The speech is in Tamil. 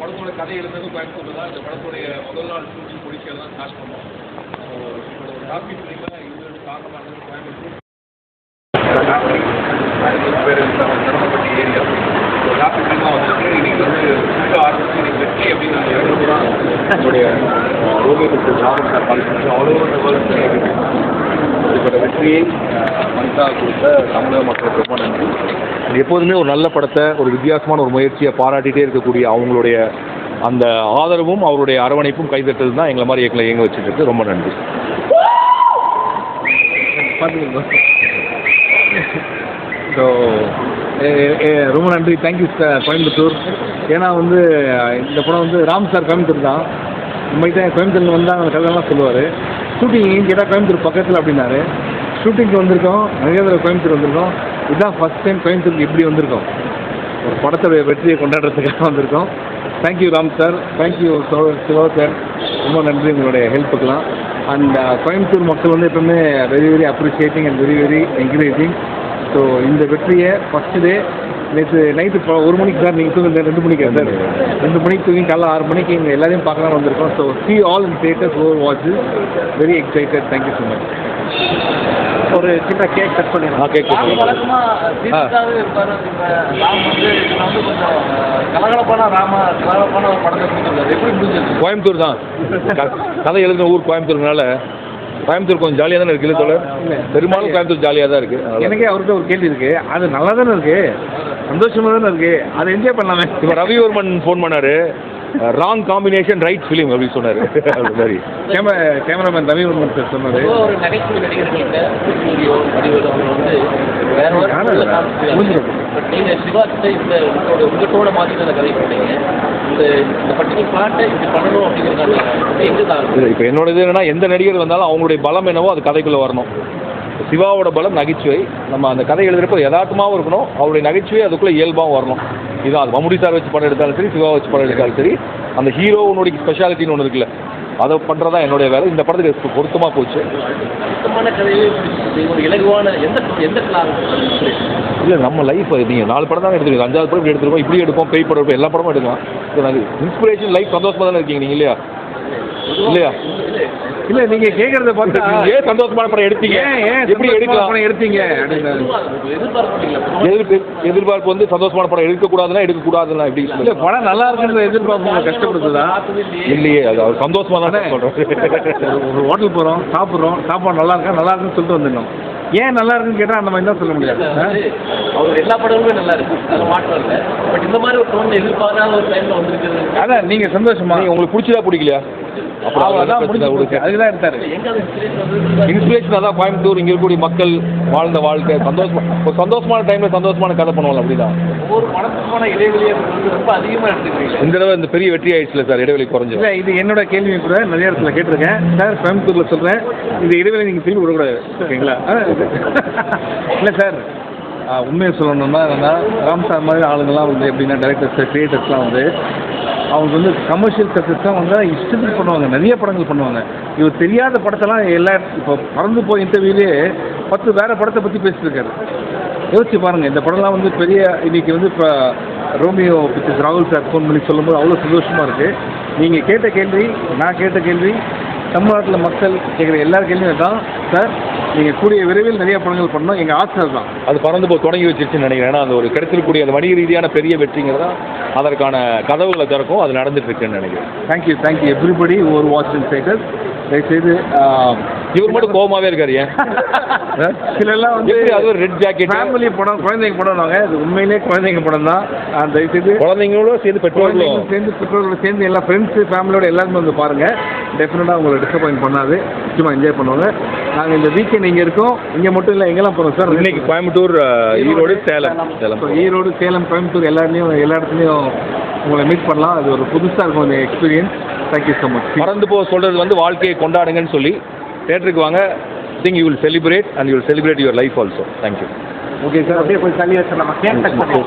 படத்தோட கதை எழுதுறது கோயம்புத்தூர் தான். இந்த படத்துடைய முதல் நாள் ஷூட்டிங் முடிக்கிறது தான் ஸ்டார்ட் பண்ணோம். இப்போ ஒரு காப்பி ஃபிலிமாக இது காரணமாக கோயம்புத்தூர் தரப்பட்ட ஏரியா காப்பி ஃபிலிமாக வந்துருக்கு. இன்னைக்கு வந்து ஃபுல்லாக ஆரம்பிச்சு இன்னைக்கு வெற்றி அப்படின்னு நாங்கள் எழுதுறோம். நம்மளுடைய ரோமியோக்கு ஜாபம் சார் கால் அவ்வளோ இப்போட வெற்றியை மனிதா கொடுத்த தமிழக மக்களுக்கு ரொம்ப நன்றி. எப்போதுமே ஒரு நல்ல படத்தை ஒரு வித்தியாசமான ஒரு முயற்சியை பாராட்டிகிட்டே இருக்கக்கூடிய அவங்களுடைய அந்த ஆதரவும் அவருடைய அரவணைப்பும் கைதட்டது தான் எங்களை மாதிரி இயங்க வச்சுட்டு இருக்கு. ரொம்ப நன்றி. ஸோ ரொம்ப நன்றி. Thank you sir Coimbatore. ஏன்னா வந்து இந்த படம் வந்து ராம் சார் கோயம்புத்தூர் தான். உண்மைக்கு தான் கோயம்புத்தூர் வந்தால் அந்த கதையெல்லாம் சொல்லுவார். ஷூட்டிங் கேட்டால் கோயம்புத்தூர் பக்கத்தில் அப்படின்னாரு. ஷூட்டிங்க்கு வந்திருக்கோம், நிறைய தடவை கோயம்புத்தூர் வந்திருக்கோம். இதுதான் ஃபஸ்ட் டைம் கோயம்புத்தூருக்கு எப்படி வந்திருக்கோம், ஒரு படத்துடைய வெற்றியை கொண்டாடுறதுக்காக வந்திருக்கோம். Thank you Ram sir, thank you Siva sir, ரொம்ப நன்றி உங்களுடைய ஹெல்ப்புக்கெல்லாம். அண்ட் கோயம்புத்தூர் மக்கள் வந்து எப்பவுமே very very appreciating and very very encouraging. So இந்த வெற்றியை ஃபஸ்ட்டு டே நேற்று நைட்டு 1 மணிக்கு சார், நீங்கள் தூங்க 2 மணிக்கு சார், 2 மணிக்கு தூங்கி காலைல 6 மணிக்கு இங்கே எல்லாரையும் பார்க்கலாம் வந்திருக்கோம். So see all in theaters who watch it. Very excited. Thank you so much. ஒரு சின்ன கேக் கட் பண்ணிடலாம். கேக் வழக்கமாக சீரியஸாகவே இருப்பார். ராம் வந்து கொஞ்சம் கலகலப்பான ஒரு படத்தை கொடுத்துருக்காரு. எப்படி முடிஞ்சது? கோயம்புத்தூர் தான் கதை எழுதின ஊர் கோயம்புத்தூர்னால கோயம்புத்தூர் கொஞ்சம் ஜாலியாக தானே இருக்குது. இல்லை பெரும்பாலும் கோயம்புத்தூர் ஜாலியாக தான் இருக்குது. எனக்கே அவர்கிட்ட ஒரு கேள்வி இருக்குது. அது நல்லா தானே இருக்குது, சந்தோஷமாக தானே இருக்குது, அதை என்ஜாய் பண்ணலாமே. இப்போ ரவிவர்மன் ஃபோன் பண்ணார், ராங் காம்பினேஷன் ரைட் ஃபிலிம் அப்படின்னு சொன்னார். அது மாதிரி கேமராமேன் ரவிவர்மன் சார் சொன்னார். ஒரு நகைச்சுவை நடிகர்கள்ட்ட வந்து வேற நீங்கள் சிவாக்கிட்ட உங்கள் டோனை மாற்றி அந்த கதை பண்ணீங்க. இந்த பர்டிகுலர் பிளாட்டை இப்படி பண்ணணும் அப்படிங்கிறதால எங்கே தான் இப்போ என்னோட இது என்னன்னா, எந்த நடிகர் வந்தாலும் அவங்களுடைய பலம் என்னவோ அது கதைக்குள்ளே வரணும். சிவாவோட பலம் நகைச்சுவை. நம்ம அந்த கதை எழுதுறப்போ யதார்த்தமாகவும் இருக்கணும், அவருடைய நகைச்சுவை அதுக்குள்ளே இயல்பாகவும் வரணும். இதான் அது மம்முடி சார் வச்சு படம் எடுத்தாலும் சரி, சிவா வச்சு படம் எடுத்தாலும் சரி, அந்த ஹீரோனுடைய ஸ்பெஷாலிட்டின்னு ஒன்று இருக்குல்ல, அதை பண்ணுறதா என்னுடைய வேலை. இந்த படத்துக்கு பொருத்தமாக போச்சு. இலகுவான எந்த இல்லை நம்ம லைஃப் நீங்கள் 4 படம் தான் எடுத்துருக்கோம், 5வது படம் எடுத்துருக்கோம், இப்படி எடுப்போம், பேய் படம் எடுப்போம், எல்லா படமும் எடுக்கலாம். இன்ஸ்பிரேஷன் லைஃப் சந்தோஷமாக தானே இருக்கீங்க நீங்கள், இல்லையா? இல்லையா? இல்லை நீங்கள் கேட்குறத பார்த்து ஏன் சந்தோஷமான படம் எடுத்தீங்க, எப்படி எடுக்கலாம் படம் எடுத்தீங்க அப்படின்னு எதிர்பார்ப்பு வந்து சந்தோஷமான படம் எடுக்கக்கூடாதுன்னா எப்படி? இல்லை படம் நல்லா இருக்குன்ற எதிர்பார்ப்பு கஷ்டப்படுத்துதா? இல்லையே, அது அவர் சந்தோஷமாக தானே சொல்கிறோம். ஒரு ஹோட்டல் போகிறோம், சாப்பிட்றோம், சாப்பாடு நல்லா இருக்குன்னு சொல்லிட்டு வந்துடணும். ஏன் நல்லா இருக்குன்னு கேட்டால் அந்த மாதிரி தான் சொல்ல முடியாது. அவர் எல்லா படங்களுமே நல்லா இருக்கு, அது மாற்றம் இல்லை. பட் இந்த மாதிரி ஒரு டோன் எதிர்பாராத ஒரு டைமில் வந்துருக்குது. அதான் நீங்கள் சந்தோஷமா, உங்களுக்கு பிடிச்சதா பிடிக்கலையா? அதுதான் எடுத்தாரு இன்ஸ்பிரேஷன். அதான் கோயம்புத்தூர், இங்கே இருக்கக்கூடிய மக்கள் வாழ்ந்த வாழ்க்கை சந்தோஷமான டைம்ல சந்தோஷமான கதை பண்ணுவாங்க. அப்படிதான் ஒவ்வொரு படத்துக்கான இடைவெளியை ரொம்ப அதிகமாக எடுத்துக்கிறீங்க. இந்த தடவை இந்த பெரிய வெற்றி ஆயிடுச்சுல சார், இடைவெளி குறைஞ்சு. இல்லை இது என்னோட கேள்வி கூட நிறைய இடத்துல கேட்டிருக்கேன் சார். கோயம்புத்தூர்ல சொல்றேன், இந்த இடைவெளி நீங்க திரும்பி விடக்கூடாது, ஓகேங்களா? இல்லை சார், உண்மையை சொல்லணும்னா என்னன்னா, ராம் சார் மாதிரி ஆளுங்கள்லாம் வந்து எப்படின்னா டைரக்டர்ஸ் கிரியேட்டர்ஸ்லாம் வந்து அவங்க வந்து கமர்ஷியல் சக்ஸஸ்லாம் வந்து இஷ்டத்துக்கு பண்ணுவாங்க, நிறைய படங்கள் பண்ணுவாங்க. இவர் தெரியாத படத்தெல்லாம் இப்போ பறந்து போய் இன்டர்வியூலேயே 10 வேறு படத்தை பற்றி பேசியிருக்காரு. யோசிச்சு பாருங்கள், இந்த படம்லாம் வந்து பெரிய இன்றைக்கி வந்து இப்போ ரோமியோ பிக்சர்ஸ் ராகுல் சார் ஃபோன் பண்ணி சொல்லும்போது அவ்வளோ சந்தோஷமாக இருக்குது. நீங்கள் கேட்ட கேள்வி, நான் கேட்ட கேள்வி, தமிழ்நாட்டில் மக்கள் கேட்குற எல்லா கேள்வியும் தான் சார். நீங்கள் கூடிய விரைவில் நிறைய படங்கள் பண்ணணும், எங்கள் ஆசை தான். அது பறந்து போய் தொடங்கி வச்சிருச்சுன்னு நினைக்கிறேன். ஏன்னா அந்த ஒரு கிடைச்சிருக்கக்கூடிய அந்த வணிக ரீதியான பெரிய வெற்றிங்கிறதா அதற்கான கதவுகளை திறக்கும். அது நடந்துட்டு இருக்குன்னு நினைக்கிறேன். தேங்க்யூ எவ்ரிபடி ஓவர் வாட்சிங் தேட்டர்ஸ். தயவுசெய்து இவர் மட்டும் கோபமாகவே இருக்காரு. ஏன் சிலெல்லாம் வந்து அது ஒரு ரெட் ஜாக்கெட் ஃபேமிலி படம், குழந்தைங்க படம்னாங்க. அது உண்மையிலே குழந்தைங்க படம் தான். தயவுசெய்து குழந்தைங்களோட சேர்ந்து பெற்றோர்களோட சேர்ந்து எல்லா ஃப்ரெண்ட்ஸு ஃபேமிலியோட எல்லாருமே வந்து பாருங்கள். டெஃபினட்டாக உங்களை டிசப்பாயின்ட் பண்ணாது, நிச்சயமாக என்ஜாய் பண்ணுவாங்க. நாங்கள் இந்த வீக்கெண்ட் இங்கே இருக்கோம். இங்கே மட்டும் இல்லை, எங்கெல்லாம் போகிறோம் சார்? இன்னைக்கு கோயம்புத்தூர், ஈரோடு, சேலம். ஈரோடு, சேலம், கோயம்புத்தூர் எல்லா இடத்துலையும் உங்களை மீட் பண்ணலாம். அது ஒரு புதுசாக இருக்கும் அந்த எக்ஸ்பீரியன்ஸ். Thank you so much. மறந்து போக சொல்கிறது வந்து வாழ்க்கையை கொண்டாடுங்கன்னு சொல்லி தேட்டருக்கு வாங்க. Think you will celebrate and you will celebrate your life also. Thank you. Okay sir, அப்படியே போய் தள்ளி வச்சிடலாமா?